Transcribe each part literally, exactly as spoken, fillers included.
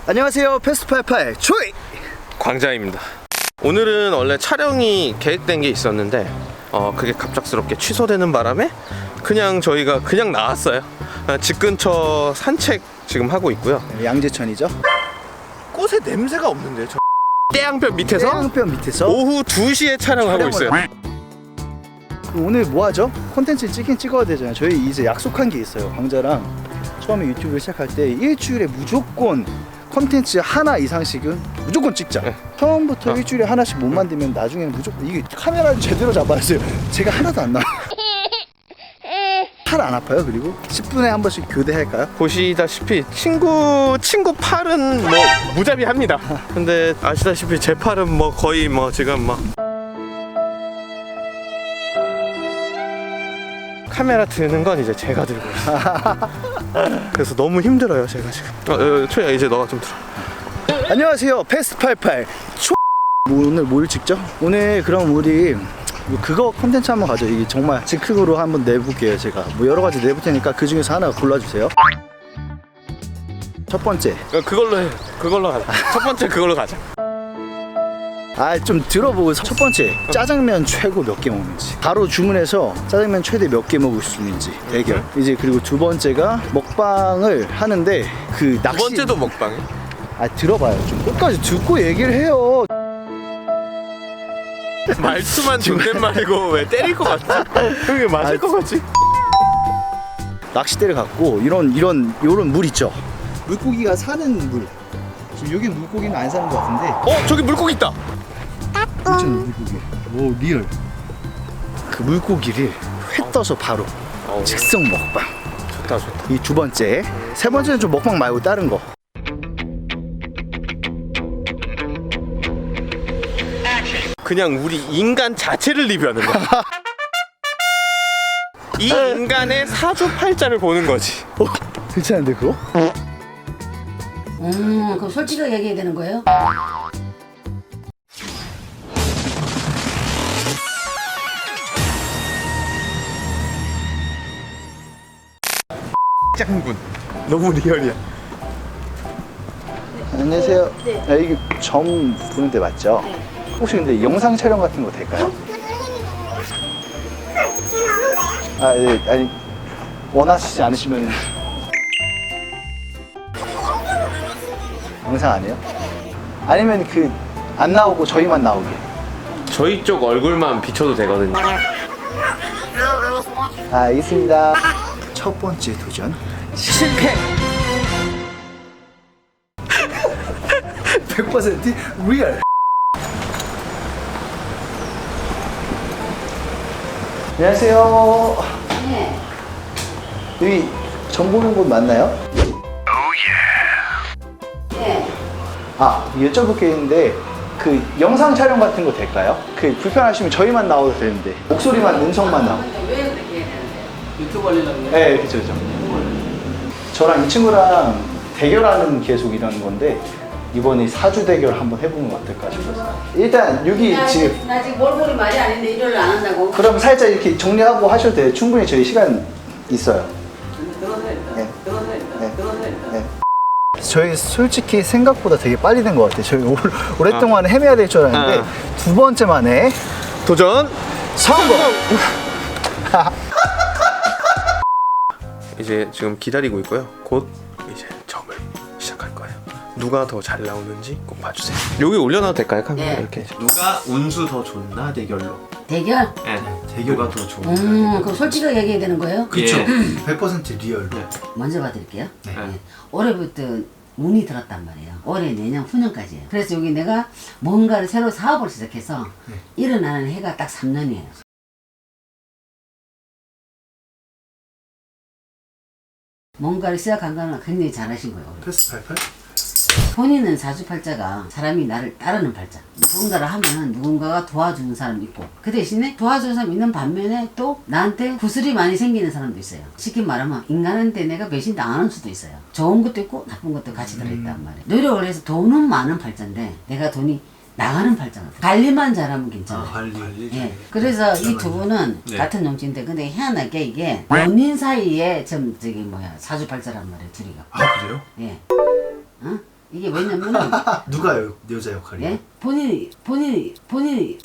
안녕하세요, 패스트팔팔 초이 광자입니다. 오늘은 원래 촬영이 계획된 게 있었는데 어 그게 갑작스럽게 취소되는 바람에 그냥 저희가 그냥 나왔어요. 집 근처 산책 지금 하고 있고요. 양재천이죠. 꽃에 냄새가 없는데요. 저 태양볕 밑에서 태양볕 밑에서 오후 두 시에 촬영하고 있어요. 오늘 뭐 하죠? 콘텐츠 찍긴 찍어야 되잖아요. 저희 이제 약속한 게 있어요. 광자랑 처음에 유튜브를 시작할 때 일주일에 무조건 콘텐츠 하나 이상씩은 무조건 찍자. 네. 처음부터 어. 일주일에 하나씩 못 만들면 나중에는 무조건 이게 카메라를 제대로 잡아야지. 제가 하나도 안 나와요. 팔 안 아파요? 그리고 십 분에 한 번씩 교대할까요? 보시다시피 친구 친구 팔은 뭐 무자비합니다. 근데 아시다시피 제 팔은 뭐 거의 뭐 지금 막 카메라 드는 건 이제 제가 들고 있어요. 그래서 너무 힘들어요 제가 지금. 어, 어, 초야 이제 너가 좀 들어. 안녕하세요, 패스트팔팔 초. 뭐 오늘 뭘 찍죠? 오늘 그럼 우리 뭐 그거 컨텐츠 한번 가죠. 이게 정말 즉흥으로 한번 내볼게요. 제가 뭐 여러 가지 내볼 테니까 그 중에서 하나 골라주세요. 첫 번째, 어, 그걸로 해. 그걸로 가자. 첫 번째 그걸로 가자. 아 좀 들어보고 첫 번째, 짜장면 최고 몇 개 먹는지 바로 주문해서 짜장면 최대 몇 개 먹을 수 있는지 대결. 이제 그리고 두 번째가 먹방을 하는데 그 낚시. 두 번째도 먹방이? 아 들어봐요. 좀 끝까지 듣고 얘기를 해요. 말투만 존댓말이고 왜 때릴 것 같지? 그게 맞을 아, 것 같지? 낚싯대를 갖고 이런 이런 요런 물 있죠. 물고기가 사는 물. 지금 여기 물고기는 안 사는 것 같은데. 어 저기 물고기 있다. 있잖아 물고기. 오 리얼. 그 물고기를 회 떠서 바로 어, 즉석 먹방. 좋다 좋다. 이 두 번째. 세 번째는 좀 먹방 말고 다른 거. 그냥 우리 인간 자체를 리뷰하는 거야. 이 인간의 사주팔자를 보는 거지. 어, 괜찮은데 그거? 음, 그럼 솔직하게 얘기해야 되는 거예요? 짱군. 너무 리얼이야. 안녕하세요. 아, 이게 점 보는 데 맞죠? 네. 혹시 근데 영상 촬영 같은 거 될까요? 아, 네, 아니 원하시지 않으시면 영상 안 해요? 아니면 그 안 나오고 저희만 나오게. 저희 쪽 얼굴만 비춰도 되거든요. 아, 알겠습니다. 첫 번째 도전 실패. 백 퍼센트 리얼. 안녕하세요. 네. 여기 점 보는 곳 맞나요? 네. 아, 여쭤볼 게 있는데 그 영상 촬영 같은 거 될까요? 그 불편하시면 저희만 나와도 되는데 목소리만 음성만 나오고. 왜 그렇게 해야 되는데? 유튜브 하려고 네, 그쵸, 그쵸. 저랑 이 친구랑 대결하는 계속 이런 건데 이번에 사주 대결 한번 해보면 어떨까 싶어서. 일단 여기 나 지금 지금, 나 지금 몰골이 말이 아닌데 일을 안 한다고? 그럼 살짝 이렇게 정리하고 하셔도 돼요. 충분히 저희 시간 있어요. 들어서야 된다. 네. 들어서야 된다. 네. 들어서야 된다. 네. 저희 솔직히 생각보다 되게 빨리 된 것 같아요. 저희 오, 오랫동안 헤매야 될 줄 알았는데 아. 두 번째 만에 도전 성공! 이제 지금 기다리고 있고요. 곧 이제 점을 시작할 거예요. 누가 더 잘 나오는지 꼭 봐주세요. 여기 올려놔도 될까요? 카메라 네. 이렇게. 누가 운수 더 좋나 대결로. 대결? 네. 대결가 더 좋은. 음, 그럼 솔직하게 얘기해야 되는 거예요? 그쵸. 백 퍼센트 리얼로. 먼저 봐드릴게요. 네. 네. 올해부터 운이 들었단 말이에요. 올해, 내년, 후년까지예요. 그래서 여기 내가 뭔가를 새로 사업을 시작해서 일어나는 해가 딱 삼 년이에요. 뭔가를 시작한 거는 굉장히 잘하신 거예요. 올해. 패스팔팔? 본인은 사주팔자가 사람이 나를 따르는 팔자. 누군가를 하면 누군가가 도와주는 사람이 있고 그 대신에 도와주는 사람이 있는 반면에 또 나한테 구슬이 많이 생기는 사람도 있어요. 쉽게 말하면 인간한테 내가 배신 당하는 수도 있어요. 좋은 것도 있고 나쁜 것도 같이 들어있단 말이에요. 노력을 해서 돈은 많은 팔자인데 내가 돈이 나가는 팔자가 관리만 잘하면 괜찮아요. 아, 관리. 예. 그래서 이 두 분은 네. 같은 용지인데 근데 희한하게 이게 연인 사이에 좀 저기 뭐야 사주팔자란 말이에요 둘이가. 아, 그래요? 예. 어? 이게 왜냐면은 누가 여, 여자 역할이에요? 예? 본인이 본인이 본인이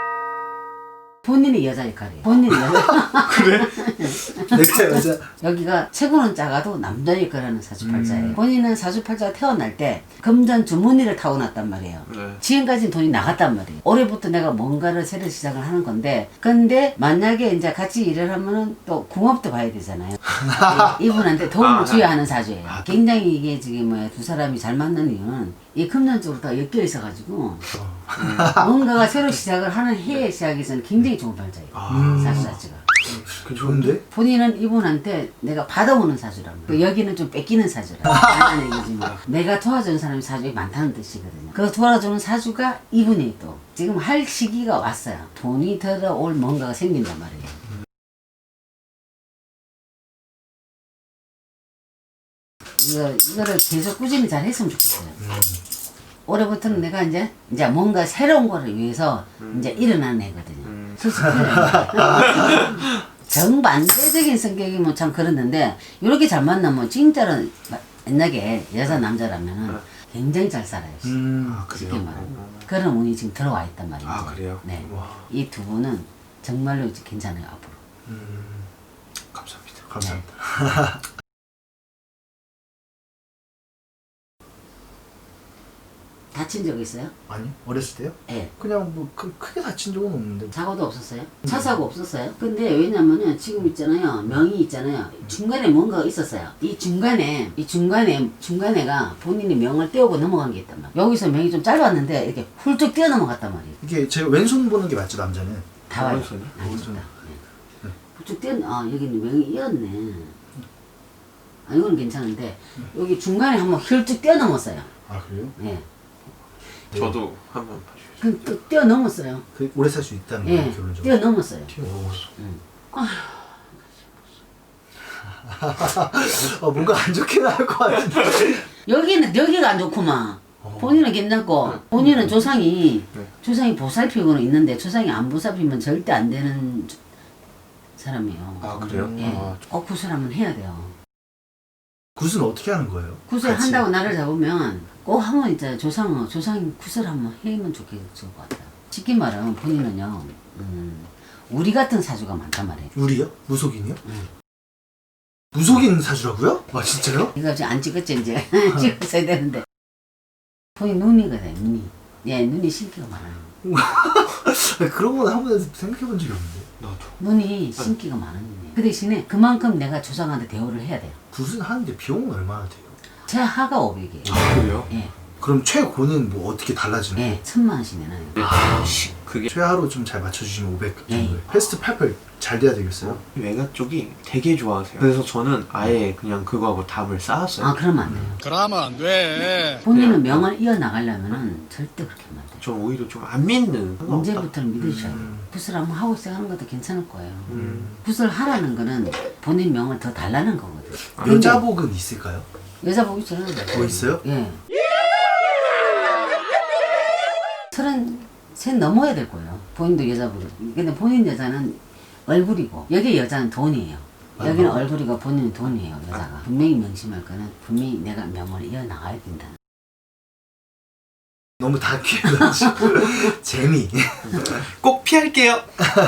본인이 여자 역할이에요. 본인이 여자. 그래? 내가 여자. 여기가 체구는 작아도 남자 역할을 하는 사주팔자예요. 음. 본인은 사주팔자가 태어날 때 금전 주머니를 타고났단 말이에요. 네. 지금까지는 돈이 나갔단 말이에요. 올해부터 내가 뭔가를 새로 시작을 하는 건데, 근데 만약에 이제 같이 일을 하면은 또 궁합도 봐야 되잖아요. 이- 이분한테 도움을 아, 줘야 하는 사주예요. 굉장히 이게 지금 뭐야 두 사람이 잘 맞는 이유는 이 금전적으로 다 엮여 있어가지고 뭔가가 새로 시작을 하는 해의 시작에서는 굉장히 좋은 팔자예요. 음. 사주 자체가. 좋은데? 본인은 이분한테 내가 받아오는 사주라고. 그 여기는 좀 뺏기는 사주라. 하는 얘기지 뭐. 내가 도와주는 사람이 사주에 많다는 뜻이거든요. 그 도와주는 사주가 이분이 또 지금 할 시기가 왔어요. 돈이 들어올 뭔가가 생긴단 말이에요. 이거, 이거를 계속 꾸준히 잘 했으면 좋겠어요. 올해부터는 내가 이제, 이제 뭔가 새로운 거를 위해서 이제 일어나는 애거든요. 솔직히. 정반대적인 성격이면 참 그렇는데, 이렇게 잘 만나면 진짜로 옛날에 여자 남자라면은 굉장히 잘 살아요. 음. 아, 쉽게 그래요? 말하면. 그런 운이 지금 들어와 있단 말이죠. 아, 그래요? 네. 와. 이 두 분은 정말로 이제 괜찮아요, 앞으로. 음. 감사합니다. 감사합니다. 다친 적 있어요? 아니 어렸을 때요? 예. 그냥 뭐 크, 크게 다친 적은 없는데. 사고도 없었어요? 차 사고 없었어요? 근데 왜냐면은 지금 있잖아요. 명이 있잖아요. 중간에 뭔가가 있었어요. 이 중간에, 이 중간에, 중간에가 본인이 명을 떼우고 넘어간 게 있단 말이에요. 여기서 명이 좀 짧았는데 이렇게 훌쩍 뛰어 넘어갔단 말이에요. 이게 제가 왼손 보는 게 맞죠 남자는? 다 와요. 오른손이요? 아, 오른손. 좋다. 네. 훌쩍 뛰어, 아, 여기는 명이 이었네. 아, 이거는 괜찮은데, 여기 중간에 한번 훌쩍 뛰어 넘었어요. 아 그래요? 예. 저도 한번 봐주세요. 그, 또 뛰어 넘었어요. 그 오래 살 수 있다는 예. 거예요 결론적으로. 뛰어 넘었어요. 오. 응. 어, 뭔가 안 좋게 나올 것 같은데. 여기는 여기가 안 좋구만. 본인은 괜찮고 본인은 조상이 네. 조상이 보살피고는 있는데 조상이 안 보살피면 절대 안 되는 사람이에요. 아, 그래요? 예. 아, 꼭 구슬 한번 해야 돼요. 굿은 어떻게 하는 거예요? 구슬 같이? 한다고 나를 잡으면 꼭 한번 이제 조상 조상 구슬 한번 해면 좋겠을 것 같아요. 쉽게 말하면 본인은요, 음, 우리 같은 사주가 많단 말이에요. 우리요? 무속인이요? 응. 무속인 사주라고요? 아 진짜요? 이거 지금 안 찍었지 이제 찍었어야 되는데 본인 눈이거든 눈이. 예, 눈이 신기가 많아요. 그런 건 한 번도 생각해 본 적이 없는데. 나도. 눈이 신기가 많은 눈이에요. 그 대신에 그만큼 내가 조상한테 대우를 해야 돼요. 굿은 하는데 비용은 얼마나 돼요? 제 하가 오백이에요. 아, 그래요? 예, 그럼 최고는 뭐 어떻게 달라지는 거예요? 예, 천만 원씩 내놔요. 아, 시, 그게 최하로 좀 잘 맞춰주시면 오백 예. 정도예요. 패스트 팔팔 잘 돼야 되겠어요? 외가 쪽이 되게 좋아하세요. 그래서 저는 아예 그냥 그거하고 답을 쌓았어요. 아, 그러면 안 돼요. 그러면 안 돼. 본인은 명을 이어나가려면은 절대 그렇게 하면 안 돼요. 전 오히려 좀 안 믿는. 언제부터는 믿으셔야 돼요. 음. 굿을 한번 하고 시작하는 것도 괜찮을 거예요. 음. 굿을 하라는 거는 본인 명을 더 달라는 거거든요. 근데 여자복은 있을까요? 여자복 있잖아요. 뭐 있어요? 예. 서른 셋 넘어야 될 거예요. 본인도 여자분. 근데 본인 여자는 얼굴이고 여기 여자는 돈이에요. 여기는 얼굴이고 본인은 돈이에요. 여자가. 분명히 명심할 거는 분명히 내가 명을 이어나가야 된다. 너무 다큐해가지고 재미. 꼭 피할게요.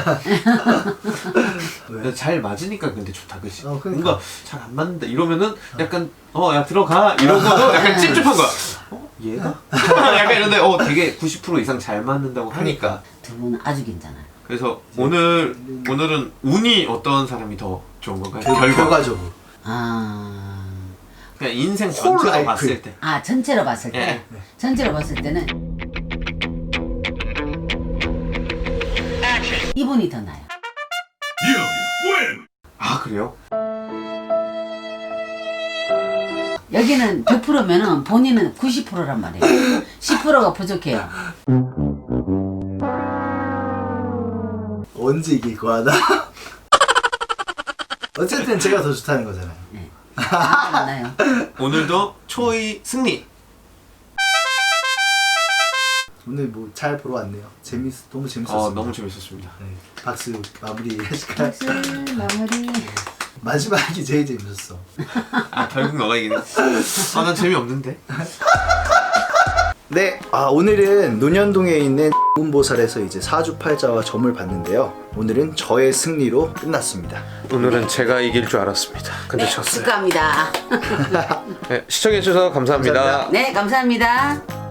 왜? 잘 맞으니까 근데 좋다, 그치? 어, 그러니까. 뭔가 잘 안 맞는다 이러면은 약간 어 야 들어가 이러고도 약간 찝찝한 거야. 어 얘가? 약간 이런데 어 되게 구십 퍼센트 이상 잘 맞는다고 하니까. 두 분은 아주 괜찮아요. 그래서 오늘 오늘은 운이 어떤 사람이 더 좋은 건가요? 결- 결과. 결과적으로. 아, 그냥 인생 홀 전체로 라이프. 봤을 때. 아 전체로 봤을 때, 예. 전체로 봤을 때는 이분이 더 나아요. 아 그래요? 여기는 백 퍼센트면은 본인은 구십 퍼센트란 말이에요. 십 퍼센트가 부족해요. 언제 이길 거야 나? 어쨌든 제가 더 좋다는 거잖아요. 맞나요? 오늘도 초이 승리. 오늘 뭐 잘 보러 왔네요. 재밌 너무 재밌었어요. 어 너무 재밌었습니다. 네, 박수 마무리 하실까요? 박수 마무리. 마지막이 제일 재밌었어. 아 결국 너가 이기네. 아난 재미없는데. 네, 아 오늘은 논현동에 있는 문보살에서 이제 사주팔자와 점을 봤는데요. 오늘은 저의 승리로 끝났습니다. 오늘은 제가 이길 줄 알았습니다. 근데 졌어요. 축하합니다. 네, 시청해주셔서 감사합니다. 감사합니다. 네, 감사합니다.